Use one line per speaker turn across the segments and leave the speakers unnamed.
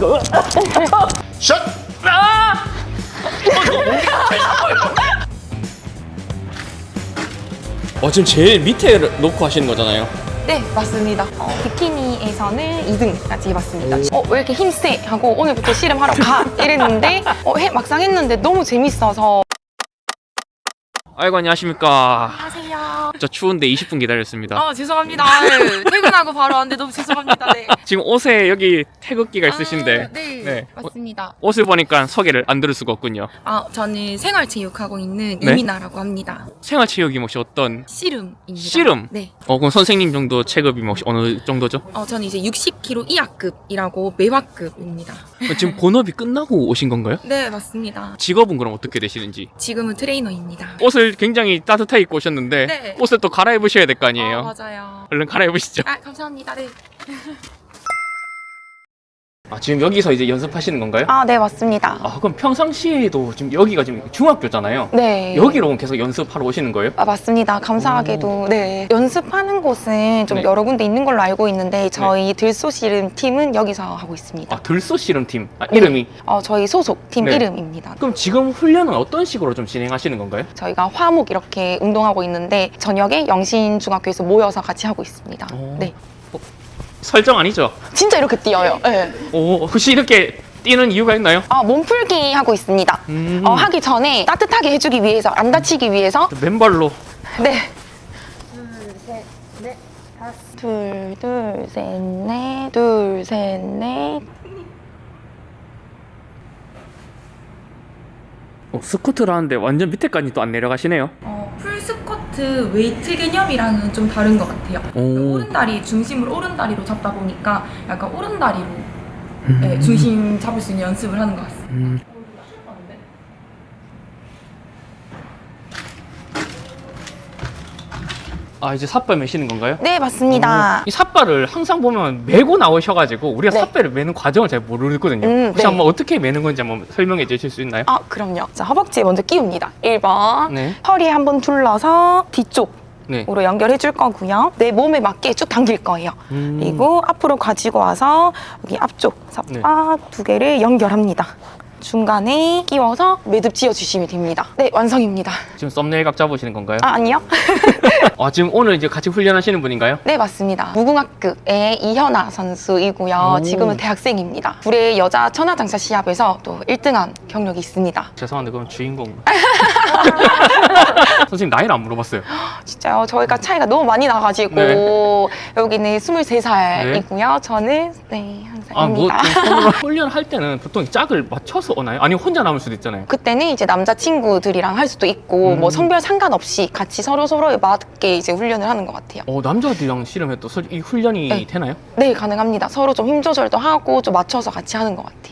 샷!
아! 지금 제일 밑에 놓고 하시는 거잖아요.
네, 맞습니다. 비키니에서는 2등까지 해봤습니다. 왜 이렇게 힘세? 하고 오늘부터 씨름하러 가! 이랬는데 막상 했는데 너무 재밌어서.
아이고, 안녕하십니까.
안녕하세요.
저 추운데 20분 기다렸습니다.
죄송합니다. 퇴근하고 바로 왔는데 너무 죄송합니다. 네.
지금 옷에 여기 태극기가 있으신데
네, 맞습니다.
옷을 보니까 소개를 안 들을 수가 없군요.
저는 생활체육하고 있는
네?
이민아라고 합니다.
생활체육이 혹시 어떤?
씨름입니다.
씨름?
네.
그럼 선생님 정도 체급이 혹시 어느 정도죠?
저는 이제 60kg 이하급이라고 매화급입니다.
지금 본업이 끝나고 오신 건가요?
네, 맞습니다.
직업은 그럼 어떻게 되시는지?
지금은 트레이너입니다.
옷을 굉장히 따뜻하게 입고 오셨는데
네.
옷을 또 갈아입으셔야 될 거 아니에요?
맞아요.
얼른 갈아입으시죠.
감사합니다. 네.
지금 여기서 이제 연습하시는 건가요?
네, 맞습니다.
그럼 평상시에도 지금 여기가 지금 중학교잖아요.
네.
여기로 계속 연습하러 오시는 거예요?
맞습니다. 감사하게도. 네. 연습하는 곳은 좀
네.
여러 군데 있는 걸로 알고 있는데 저희 들소씨름 팀은 여기서 하고 있습니다.
들소 씨름팀 이름이?
저희 소속 팀
네.
이름입니다.
그럼 지금 훈련은 어떤 식으로 좀 진행하시는 건가요?
저희가 화목 이렇게 운동하고 있는데 저녁에 영신중학교에서 모여서 같이 하고 있습니다. 네.
설정 아니죠?
진짜 이렇게 뛰어요. 네.
혹시 이렇게 뛰는 이유가 있나요?
몸풀기 하고 있습니다. 하기 전에 따뜻하게 해주기 위해서, 안 다치기 위해서.
맨발로.
네. 둘, 셋, 넷. 둘, 셋, 넷.
스쿼트를 하는데 완전 밑에까지 또 안 내려가시네요.
풀스쿼트 웨이트 개념이랑은 좀 다른 것 같아요. 오른다리 중심을 오른다리로 잡다 보니까 약간 오른다리로 네, 중심 잡을 수 있는 연습을 하는 것 같습니다.
이제 삿발 매시는 건가요?
네, 맞습니다.
이 삿발을 항상 보면 메고 나오셔가지고 우리가
네.
삿발을 매는 과정을 잘 모르거든요. 혹시
네.
한번 어떻게 매는 건지 한번 설명해 주실 수 있나요?
그럼요. 자, 허벅지에 먼저 끼웁니다. 1번.
네.
허리에 한번 둘러서 뒤쪽으로
네.
연결해 줄 거고요. 내 몸에 맞게 쭉 당길 거예요. 그리고 앞으로 가지고 와서 여기 앞쪽 삿바 두 개를 연결합니다. 중간에 끼워서 매듭 지어주시면 됩니다. 네, 완성입니다.
지금 썸네일 각 잡으시는 건가요?
아니요.
지금 오늘 이제 같이 훈련하시는 분인가요?
네, 맞습니다. 무궁화급의 이현아 선수이고요. 지금은 대학생입니다. 불의 여자 천하장사 시합에서 또 1등한 경력이 있습니다.
죄송한데 그럼 주인공. 선생님 나이를 안 물어봤어요.
진짜요? 저희가 차이가 너무 많이 나가지고
네.
여기는 23살이고요. 저는 한 살입니다.
손으로 훈련할 때는 보통 짝을 맞춰서 오나요? 아니면 혼자 남을 수도 있잖아요.
그때는 이제 남자친구들이랑 할 수도 있고 뭐 성별 상관없이 같이 서로에 맞게 이제 훈련을 하는 것 같아요.
남자들이랑 씨름해도 이 훈련이
네.
되나요?
네, 가능합니다. 서로 좀 힘 조절도 하고 좀 맞춰서 같이 하는 것 같아요.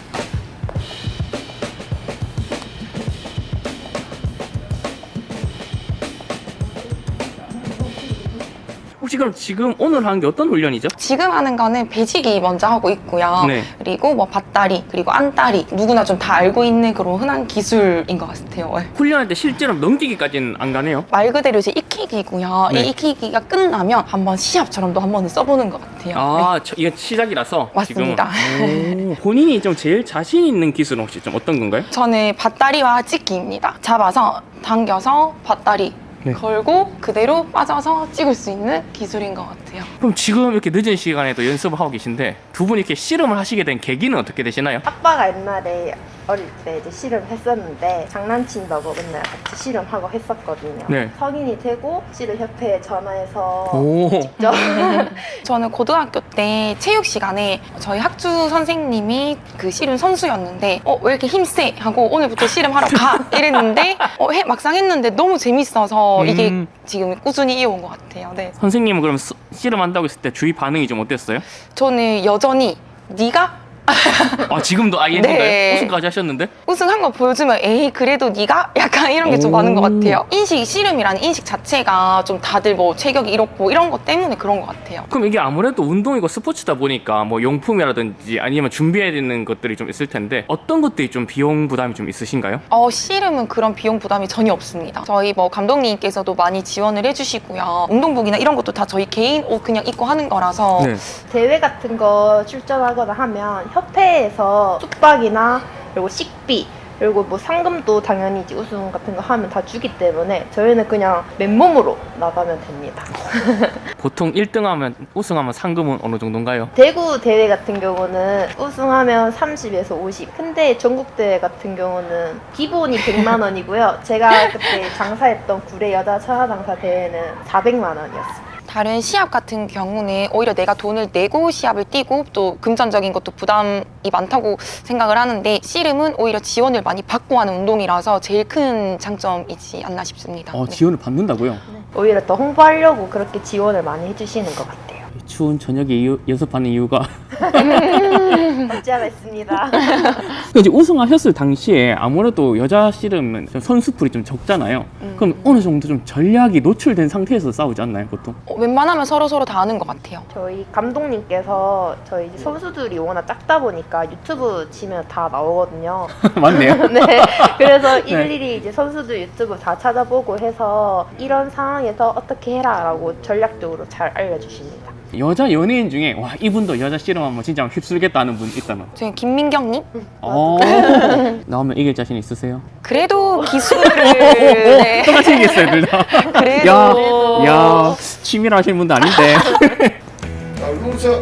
혹시 그럼 지금 오늘 하는 게 어떤 훈련이죠?
지금 하는 거는 배지기 먼저 하고 있고요.
네.
그리고 뭐 밭다리, 그리고 안다리 누구나 좀 다 알고 있는 그런 흔한 기술인 것 같아요. 네.
훈련할 때 실제로 넘기기까지는 안 가네요.
말 그대로 이제 익히기고요.
네.
이 익히기가 끝나면 한번 시합처럼도 한번 써보는 것 같아요. 네.
이게 시작이라서
맞습니다.
지금은. 본인이 좀 제일 자신 있는 기술은 혹시 좀 어떤 건가요?
저는 밭다리와 찍기입니다. 잡아서 당겨서 밭다리
네.
걸고 그대로 빠져서 찍을 수 있는 기술인 것 같아요.
그럼 지금 이렇게 늦은 시간에도 연습을 하고 계신데 두 분이 이렇게 씨름을 하시게 된 계기는 어떻게 되시나요?
아빠가 옛날에 어릴 때 이제 씨름 했었는데 장난친다고 맨날 같이 씨름하고 했었거든요.
네.
성인이 되고 씨름 협회에 전화해서 직접
저는 고등학교 때 체육 시간에 저희 학주 선생님이 그 씨름 선수였는데 왜 이렇게 힘세? 하고 오늘부터 씨름하러 가! 이랬는데 막상 했는데 너무 재밌어서 이게 지금 꾸준히 이어온 것 같아요. 네.
선생님은 그럼 씨름한다고 했을 때 주위 반응이 좀 어땠어요?
저는 여전히 네가
지금도 얘인가요?
네.
우승까지 하셨는데?
우승한 거 보여주면 에이 그래도 네가? 약간 이런 게 좀 많은 것 같아요. 씨름이라는 인식 자체가 좀 다들 뭐 체격이 이렇고 이런 것 때문에 그런 것 같아요.
그럼 이게 아무래도 운동이고 스포츠다 보니까 뭐 용품이라든지 아니면 준비해야 되는 것들이 좀 있을 텐데 어떤 것들이 좀 비용 부담이 좀 있으신가요?
씨름은 그런 비용 부담이 전혀 없습니다. 저희 뭐 감독님께서도 많이 지원을 해주시고요. 운동복이나 이런 것도 다 저희 개인 옷 그냥 입고 하는 거라서
네.
대회 같은 거 출전하거나 하면 협회에서 숙박이나 그리고 식비 그리고 뭐 상금도 당연히 이제 우승 같은 거 하면 다 주기 때문에 저희는 그냥 맨몸으로 나가면 됩니다.
보통 1등하면 우승하면 상금은 어느 정도인가요?
대구 대회 같은 경우는 우승하면 30에서 50. 근데 전국 대회 같은 경우는 기본이 100만 원이고요. 제가 그때 장사했던 구례 여자 천하장사 대회는 400만 원이었어요.
다른 시합 같은 경우는 오히려 내가 돈을 내고 시합을 뛰고 또 금전적인 것도 부담이 많다고 생각을 하는데 씨름은 오히려 지원을 많이 받고 하는 운동이라서 제일 큰 장점이지 않나 싶습니다. 네.
지원을 받는다고요?
오히려 더 홍보하려고 그렇게 지원을 많이 해주시는 것 같아요.
추운 저녁에 연습하는 이유가
없지 않아 있습니다.
이제 우승하셨을 당시에 아무래도 여자 씨름은 좀 선수풀이 좀 적잖아요. 그럼 어느 정도 좀 전략이 노출된 상태에서 싸우지 않나요, 보통?
웬만하면 서로 다 아는 것 같아요.
저희 감독님께서 저희 이제 선수들이 워낙 작다 보니까 유튜브 치면 다 나오거든요.
맞네요.
네. 그래서
네.
일일이 이제 선수들 유튜브 다 찾아보고 해서 이런 상황에서 어떻게 해라라고 전략적으로 잘 알려주십니다.
여자 연예인 중에 와 이분도 여자 씨름하면 진짜 휩쓸겠다는 분 있다면?
저희 김민경님?
나오면 이길 자신 있으세요?
그래도 기술을 네.
똑같이 이겼어요, 둘 다.
그래도
야, 취미로 하시는 분도 아닌데.
자, 울릉차.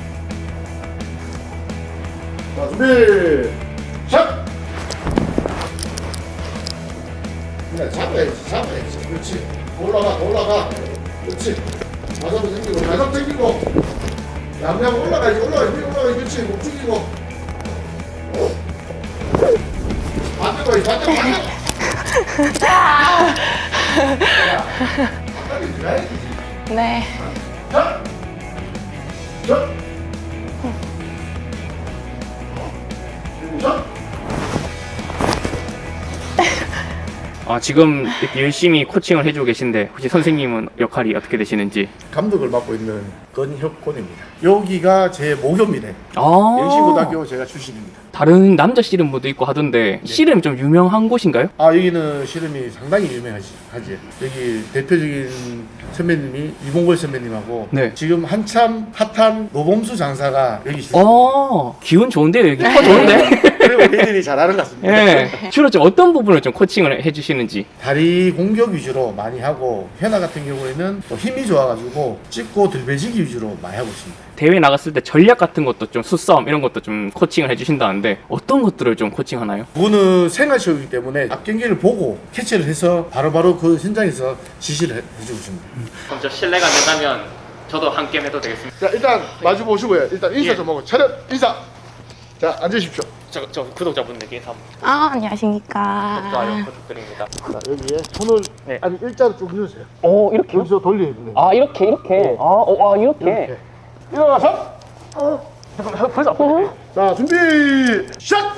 자, 준비. 샷. 그냥 잡아야지. 그렇지. 올라가. 그렇지. 가슴 당기고. 양양 올라가야지. 그렇지. 목 죽이고. 반대. 바닥에 들어야지.
네.
자. 그리고 자.
지금 이렇게 열심히 코칭을 해주고 계신데 혹시 선생님은 역할이 어떻게 되시는지?
감독을 맡고 있는 건혁곤입니다. 여기가 제 모교입니다. 영시고등학교 제가 출신입니다.
다른 남자 씨름부도 있고 하던데 씨름 좀 유명한 곳인가요?
여기는 씨름이 상당히 유명하지. 여기 대표적인 선배님이 이봉걸 선배님하고
네.
지금 한참 핫한 노범수 장사가 여기 있어요.
기운 좋은데요, 여기? 좋은데?
그리고 얘들이 잘하는 것 같습니다.
네. 주로 좀 어떤 부분을 좀 코칭을 해주시는지?
다리 공격 위주로 많이 하고 현아 같은 경우에는 또 힘이 좋아가지고 찍고 들배지기 위주로 많이 하고 있습니다.
대회 나갔을 때 전략 같은 것도 좀 수싸움 이런 것도 좀 코칭을 해주신다는데 어떤 것들을 좀 코칭하나요?
그거는 생활시험이기 때문에 앞 경기를 보고 캐치를 해서 바로바로 그 현장에서 지시를 해주고 있습니다.
그럼 저 실례가 안 된다면 저도 한 게임 해도 되겠습니다.
자, 일단 마주 보시고요. 일단 인사
예.
좀 하고 차렷 인사. 자, 앉으십시오.
저 구독자분들께 인사 한번
안녕하십니까.
좋아요 부탁드립니다.
자, 여기에 손을
네.
아니 일자로 쭉 누르세요.
이렇게요?
여기서 돌려야 돼요.
이렇게? 이렇게?
이렇게. 일어나서.
잠깐만, 벌써 아프네.
자, 준비. 샷.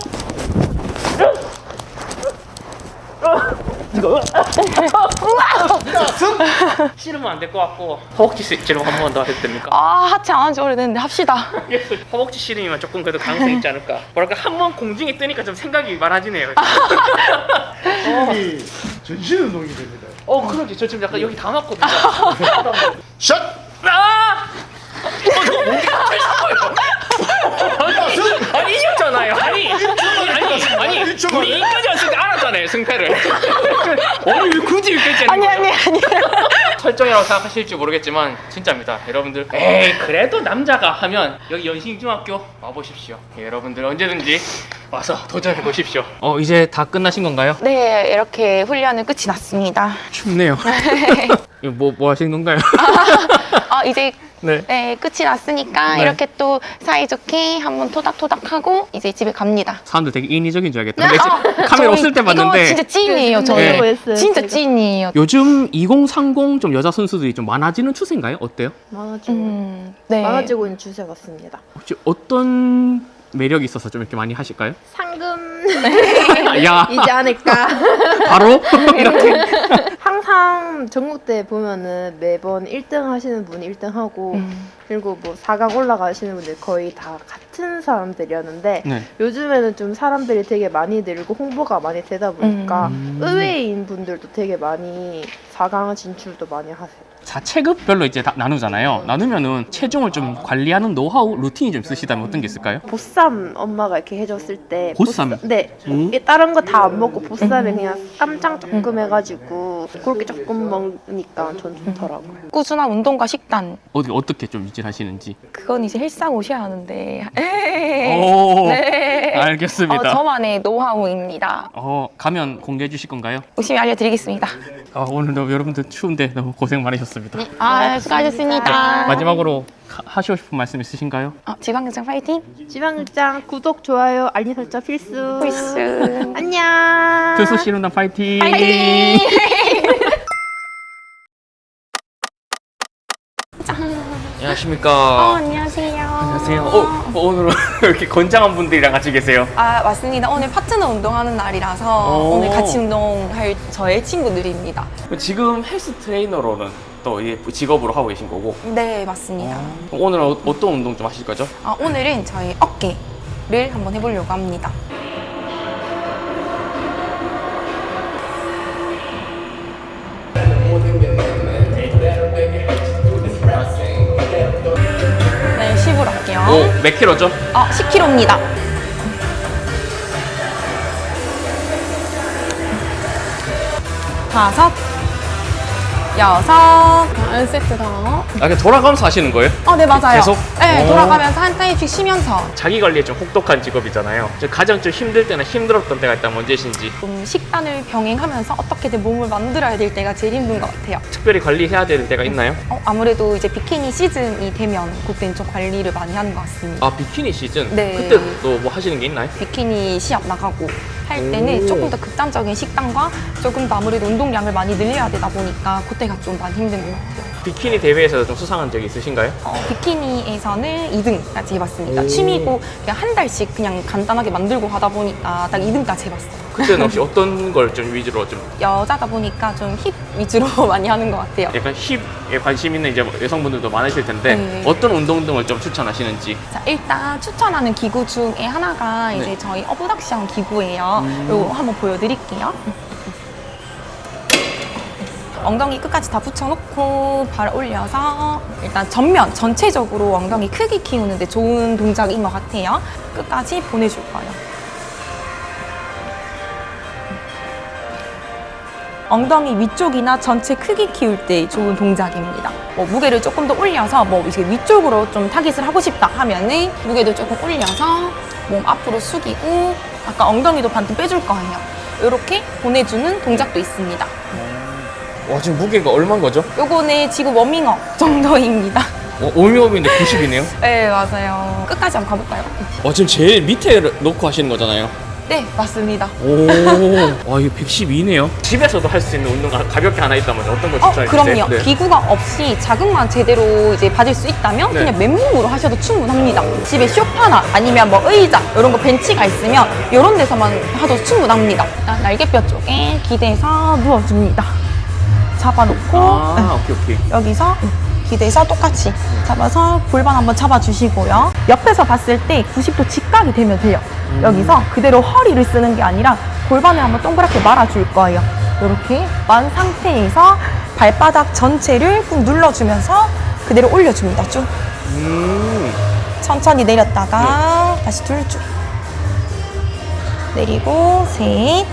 씨름은 안 될 것 같고 허벅지 씨름 한 번 더 해도 됩니까?
하체 안 한 지 오래됐는데 합시다.
허벅지 씨름이면 조금 그래도 가능성이 있지 않을까? 뭐랄까 한 번 공중에 뜨니까 좀 생각이 많아지네요.
이 전신 운동이 됩니다.
그러지. 저 지금 약간 여기 다 맞거든요.
샷.
저거 뭔데 갑자기 거예요? 아니 이겼잖아요. 아니 우리 이까지 왔을 때 알았잖아요 승패를. 아니 왜 굳이 이겼지?
아니.
설정이라고 생각하실지 모르겠지만 진짜입니다 여러분들. 에이 그래도 남자가 하면 여기 연신중학교 와보십시오. 여러분들 언제든지 와서 도전해 보십시오. 이제 다 끝나신 건가요?
네, 이렇게 훈련은 끝이 났습니다.
춥네요. 이거 뭐 하시는 건가요?
이제
네.
끝이 났으니까
네.
이렇게 또 사이좋게 한번 토닥토닥하고 이제 집에 갑니다.
사람들 되게 인위적인 줄 알겠다. 근데 카메라
저희
없을 때 봤는데
이거 진짜 찐이에요, 저희.
네.
진짜 찐이에요.
요즘 2030 좀 여자 선수들이 좀 많아지는 추세인가요? 어때요?
네.
많아지고 있는 추세 같습니다.
혹시 어떤 매력이 있어서 좀 이렇게 많이 하실까요?
상금
야
이지 않을까.
바로 이렇게
항상 전국대 보면은 매번 1등 하시는 분이 1등 하고 그리고 뭐 4강 올라가시는 분들 거의 다 같은 사람들이었는데
네.
요즘에는 좀 사람들이 되게 많이 늘고 홍보가 많이 되다 보니까 의외인 분들도 되게 많이 4강 진출도 많이 하세요.
자, 체급별로 이제 다 나누잖아요. 나누면은 체중을 좀 관리하는 노하우, 루틴이 좀 있으시다면 어떤 게 있을까요?
보쌈 엄마가 이렇게 해줬을 때
보쌈?
네. 이게 다른 거 다 안 먹고 보쌈에 그냥 쌈장 조금 해가지고 그렇게 조금 먹으니까 전 좋더라고요.
꾸준한 운동과 식단
어떻게 좀 유지하시는지.
그건 이제 헬스장 오셔야 하는데
오,
네.
알겠습니다.
저만의 노하우입니다.
가면 공개해 주실 건가요?
열심히 알려드리겠습니다.
오늘도 여러분들 추운데 너무 고생 많으셨습니다.
수고하셨습니다.
마지막으로 하시고 싶은 말씀 있으신가요?
지방경장 파이팅!
지방극장 구독, 좋아요, 알림 설정 필수.
필수.
안녕.
투수 씨름단 파이팅!
파이팅!
안녕하십니까.
안녕하세요.
안녕하세요. 오늘은 이렇게 건장한 분들이랑 같이 계세요.
맞습니다. 오늘 파트너 운동하는 날이라서 오늘 같이 운동할 저의 친구들입니다.
지금 헬스 트레이너로는 또 이게 직업으로 하고 계신 거고.
네, 맞습니다.
오늘은 어떤 운동 좀 하실 거죠?
오늘은 저희 어깨를 한번 해보려고 합니다. 네, 10으로 할게요.
몇 킬로죠?
10kg입니다. 5, 6, 1세트 더.
그냥 돌아가면서 하시는 거예요?
네, 맞아요.
계속?
네, 돌아가면서 한 타임씩 쉬면서.
자기 관리에 좀 혹독한 직업이잖아요. 가장 좀 힘들 때나 힘들었던 때가 있다면 언제신지.
좀 식단을 병행하면서 어떻게든 몸을 만들어야 될 때가 제일 힘든 것 같아요.
특별히 관리해야 될 때가 있나요?
아무래도 이제 비키니 시즌이 되면 그때는 좀 관리를 많이 하는 것 같습니다.
비키니 시즌?
네.
그때 또 뭐 하시는 게 있나요?
비키니 시합 나가고 할 때는 조금 더 극단적인 식단과 조금 더 아무래도 운동량을 많이 늘려야 되다 보니까 그때가 좀 많이 힘든 것 같아요.
비키니 대회에서 좀 수상한 적이 있으신가요?
비키니에서는 2등까지 해봤습니다. 취미고 그냥 한 달씩 그냥 간단하게 만들고 하다 보니까 딱 2등까지 해봤어요.
그때는 혹시 어떤 걸 좀 위주로 좀
여자다 보니까 좀 힙 위주로 많이 하는 것 같아요.
약간 힙에 관심 있는 이제 여성분들도 많으실 텐데
네.
어떤 운동 등을 좀 추천하시는지.
자, 일단 추천하는 기구 중에 하나가
네.
이제 저희 어브덕션 기구예요. 이거 한번 보여드릴게요. 엉덩이 끝까지 다 붙여놓고 발 올려서 일단 전체적으로 엉덩이 크기 키우는데 좋은 동작인 것 같아요. 끝까지 보내줄 거예요. 엉덩이 위쪽이나 전체 크기 키울 때 좋은 동작입니다. 무게를 조금 더 올려서 이제 위쪽으로 좀 타깃을 하고 싶다 하면은 무게도 조금 올려서 몸 앞으로 숙이고 아까 엉덩이도 반쯤 빼줄 거예요. 이렇게 보내주는 동작도 있습니다.
와, 지금 무게가 얼마인 거죠?
요거는 지금 워밍업 정도입니다.
오미오미인데 90이네요.
네, 맞아요. 끝까지 한번 가볼까요?
지금 제일 밑에 놓고 하시는 거잖아요.
네, 맞습니다.
와, 이거 112네요. 집에서도 할 수 있는 운동 가볍게 하나 있다면 어떤 걸 추천해 주세요?
그럼요.
네.
기구가 없이 자극만 제대로 이제 받을 수 있다면
네.
그냥 맨몸으로 하셔도 충분합니다. 집에 소파나 아니면 의자 이런 거 벤치가 있으면 이런 데서만 하도 충분합니다. 일단 날개뼈 쪽에 기대서 누워줍니다. 잡아놓고
오케이.
여기서 기대서 똑같이 잡아서 골반 한번 잡아주시고요. 옆에서 봤을 때 90도 직각이 되면 돼요. 여기서 그대로 허리를 쓰는 게 아니라 골반을 한번 동그랗게 말아줄 거예요. 이렇게 만 상태에서 발바닥 전체를 꾹 눌러주면서 그대로 올려줍니다. 쭉 천천히 내렸다가 다시 둘 쭉 내리고 셋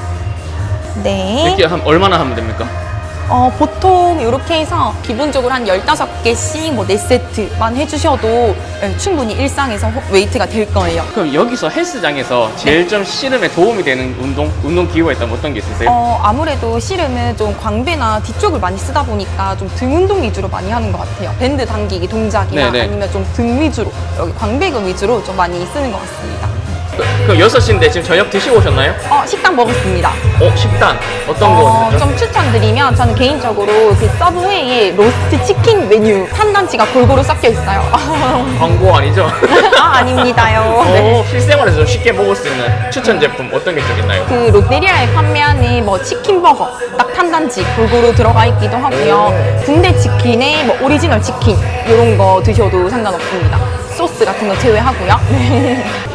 넷.
이렇게 얼마나 하면 됩니까?
보통 이렇게 해서 기본적으로 한 15개씩 4세트만 해주셔도 충분히 일상에서 웨이트가 될 거예요.
그럼 여기서 헬스장에서 제일 좀 씨름에 도움이 되는 운동 기구가 있다면 어떤 게 있으세요?
아무래도 씨름은 좀 광배나 뒤쪽을 많이 쓰다 보니까 좀 등 운동 위주로 많이 하는 것 같아요. 밴드 당기기 동작이나
네네.
아니면 좀 등 위주로, 여기 광배근 위주로 좀 많이 쓰는 것 같습니다.
그럼 6시인데 지금 저녁 드시고 오셨나요?
식단 먹었습니다.
식단 어떤 거 드셨죠?
좀 추천드리면 저는 개인적으로 그 서브웨이의 로스트 치킨 메뉴 탄단지가 골고루 섞여 있어요.
광고 아니죠?
아닙니다요. 네.
실생활에서 좀 쉽게 먹을 수 있는 추천 제품 어떤 게 좀 있나요?
그 롯데리아에 판매하는 치킨버거 딱 탄단지 골고루 들어가 있기도 하고요. 군대 치킨에 오리지널 치킨 이런 거 드셔도 상관없습니다. 소스 같은 거 제외하고요.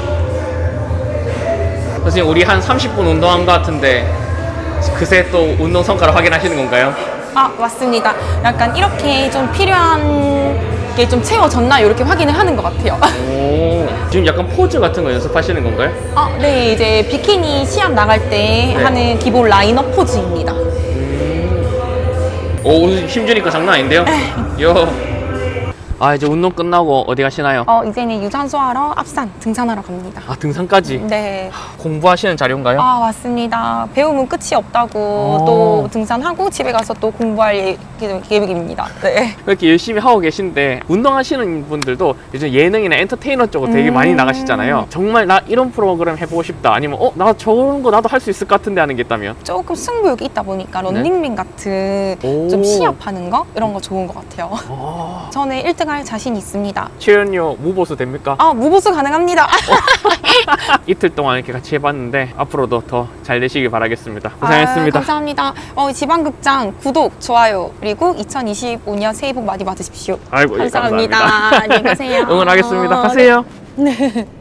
선생님 우리 한 30분 운동한 것 같은데 그새 또 운동 성과를 확인하시는 건가요?
아, 맞습니다. 약간 이렇게 좀 필요한 게 좀 채워졌나 이렇게 확인을 하는 것 같아요.
오, 지금 약간 포즈 같은 거 연습하시는 건가요?
아, 네, 이제 비키니 시합 나갈 때
네.
하는 기본 라인업 포즈입니다.
오, 오늘 힘주니까 장난 아닌데요? 요. 아, 이제 운동 끝나고 어디 가시나요?
이제는 유산소하러 앞산 등산하러 갑니다.
아, 등산까지?
네.
공부하시는 자료인가요?
아, 맞습니다. 배움은 끝이 없다고 또 등산하고 집에 가서 또 공부할 계획입니다. 네.
그렇게 열심히 하고 계신데 운동하시는 분들도 요즘 예능이나 엔터테이너 쪽으로 되게 많이 나가시잖아요. 정말 나 이런 프로그램 해보고 싶다, 아니면 나 저런 거 나도 할 수 있을 것 같은데 하는 게 있다면?
조금 승부욕이 있다 보니까 런닝맨 같은 좀 시합하는 거 이런 거 좋은 것 같아요. 저는 1등 할 자신 있습니다.
출연료 무보수 됩니까?
아, 무보수 가능합니다.
이틀 동안 이렇게 같이 해봤는데 앞으로도 더 잘 되시길 바라겠습니다. 고생하셨습니다.
감사합니다. 지방극장 구독, 좋아요, 그리고 2025년 새해 복 많이 받으십시오.
아이고, 예,
감사합니다.
감사합니다.
안녕히 가세요.
응원하겠습니다. 가세요.
네.